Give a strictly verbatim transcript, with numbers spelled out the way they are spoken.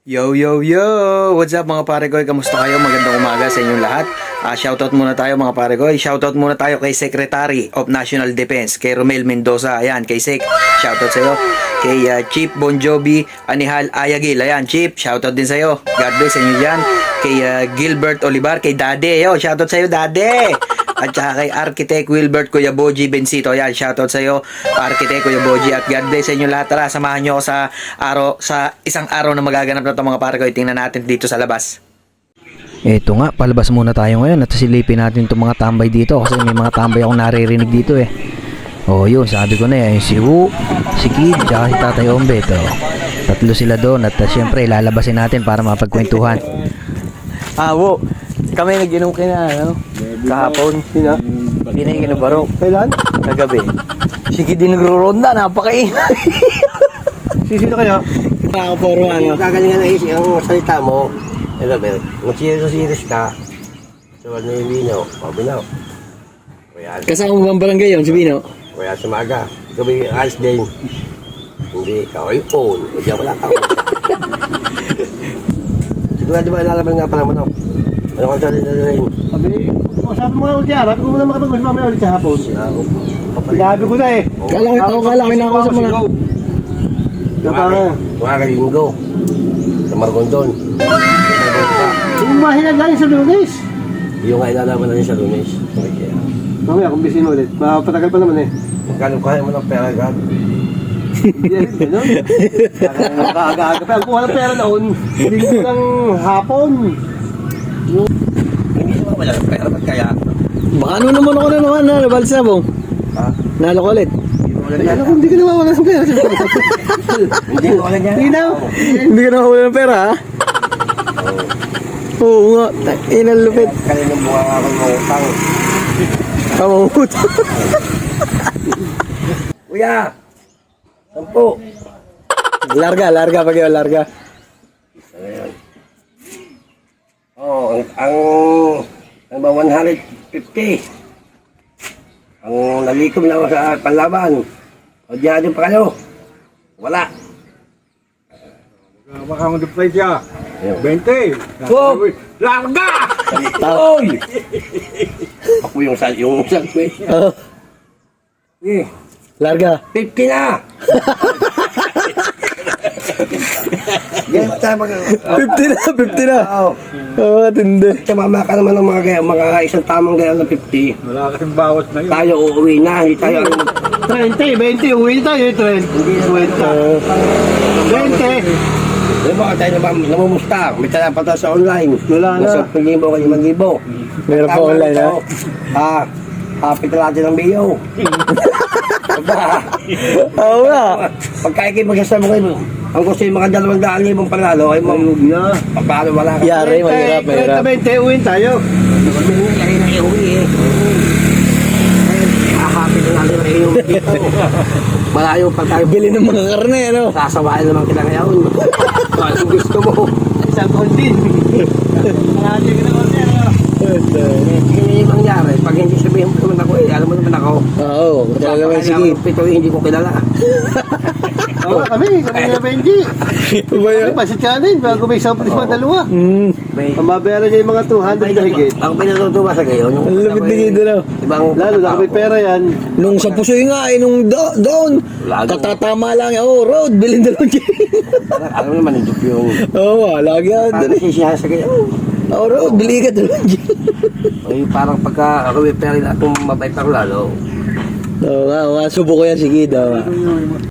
Yo, yo, yo! What's up mga pare ko? Kamusta kayo? Magandang umaga sa inyong lahat. Uh, shoutout muna tayo mga pare ko. Shoutout muna tayo kay Secretary of National Defense, kay Romel Mendoza. Ayan, kay Sec. Shoutout sa'yo. Kay uh, Chief Bon Jovi Anihal Ayagil. Ayan, Chief. Shoutout din sa'yo. God bless sa inyo dyan. Kay uh, Gilbert Olivar. Kay Dade. Yo, shoutout sa'yo, Dade! At saka kay Architect Wilbert Kuya Boji Bencito. Ayan, shoutout sa iyo, Architect Kuya Boji. At God bless sa inyo lahat. Tara, samahan nyo ako sa araw, sa isang araw na magaganap na ito mga pare ko. Tingnan natin dito sa labas. Eto nga, palabas muna tayo ngayon at silipin natin itong mga tambay dito kasi may mga tambay akong naririnig dito eh. Oh, yun, sabi ko na eh, si Wu, si Kid, tsaka si Tatay Ombe. Ito, tatlo sila doon at uh, syempre lalabasin natin para mapagkwentuhan. Ah, Wu, kami nag-inom kayo na, ano? Kahapon. Sino? Hindi na baro. Kailan? Kagabi. Sige din nagro-ronda, napakaingay. Sisino kayo? Nakaporo ano. Kagalingan na isip ang salita mo. Hello, Bel. Kung serious ka, so ano yung binaw? O, binaw. Kaya, Kasama mo bang barangay yun, si Bino? kaya sumaga. Ikaw ba yung alis din? Hindi, ikaw ay phone. O, diyan wala ka. Siguro di ba nalaman nga pala mo no? Ano kang salita na rin? Sabi, o sabi mo nga ulit yan. Sabi ko muna makapag-mas mamaya ulit sa hapon. Sabi ko na eh. Kala ko, ako kala ko na ako sa mga... Mga kalinggo. Sa Margondon. Umahin na lang sa lunes. Yung nga inalaman na rin sa lunes. Mamaya kung bisin ulit. Mapatagal pa naman eh. Magkano kaya mo ng pera agad? Hindi rin, gano'n. Nakaaga-aga pa. Ang kuha ng pera noon, linggo ng hapon. Hindi naman wala ng pera. Ba't kaya? Baka ano naman ako na naman na nabalsa mo? Ha? Nalo ko ulit. Ano kung hindi ka naman wala ng pera? Hindi ko wala niya. Hindi na. Hindi ka nakawala ng pera ha? Oo nga, inang lupit. Kaninang bunga nga akong mangutang. Kamamut. Kuya! Sampo! Larga, larga pag yun, larga. Ayan. Oh, ang, ang, ang ba one hundred fifty. Ang nalikom na ako sa panlaban. O diyan din pa kayo. Wala. Baka mo deploy siya. Ayun. twenty. Oh! Larga! Oy! Ako yung sal, yung sal. Oh, Eh, larga. fifty na! Ganyan tayo mag... fifty na, fifty na. Oo. Oo, tindi. Tumama ka naman ng mga, gaya- mga isang tamang gaya ng fifty. Wala kasing bawas na yun. Tayo uuwi na, hindi tayo ano. twenty, twenty, uwi tayo, twenty. Hindi na kwenta. twenty. Di ba tayo naman namumusta? May tala pa tayo sa online. Wala na. Nasa limang libo ka limang libo. Meron pa online, ha? Ah, happy natin ng B O. Aba, Oo nga. pagkaikip magsasama kayo, ang gusto yung mga dalawang daan libong panalo, ay mo, Na. paano wala ka? Yari, mahirap, twenty, mahirap. twenty, uwi tayo. Ay, na iuwi eh. Happy na natin ng iyong dito. Malayo pa tayo. Bili ng mga karne, ano? Sasawain naman kita ngayon. Kung gusto mo. Isang kondin. Marami ka na kondin. Hindi yung mangyari. Pag hindi sabihin mo naman ako eh, alam mo naman ako. Oo, kaya naman sige. Pito eh, hindi ko kilala. Oo, kami, kami na Benji. Ba Kami, yun? pasit ka rin, bago may isang pulis pa dalawa. Hmm, May, Ang mabayaran niya yung mga two hundred na higit. Ako pinatutuwa sa gayon. ang lupit ni Kido na. Ibang Lalo na kami pera yan. Nung sa pusoy nga, eh, nung do- doon, Lalo. tatatama lang, oh, road, bilhin dalawang gin. Alam mo naman, hindi yung... Oo, oh, lagi ako Parang doon eh. sisiyahan sa gayon. Oh, road, bili ka dalawang gin. Ay, parang pagka ako may pera na kung mabait ako lalo. Oo nga, oo nga, subo ko yan si Kido.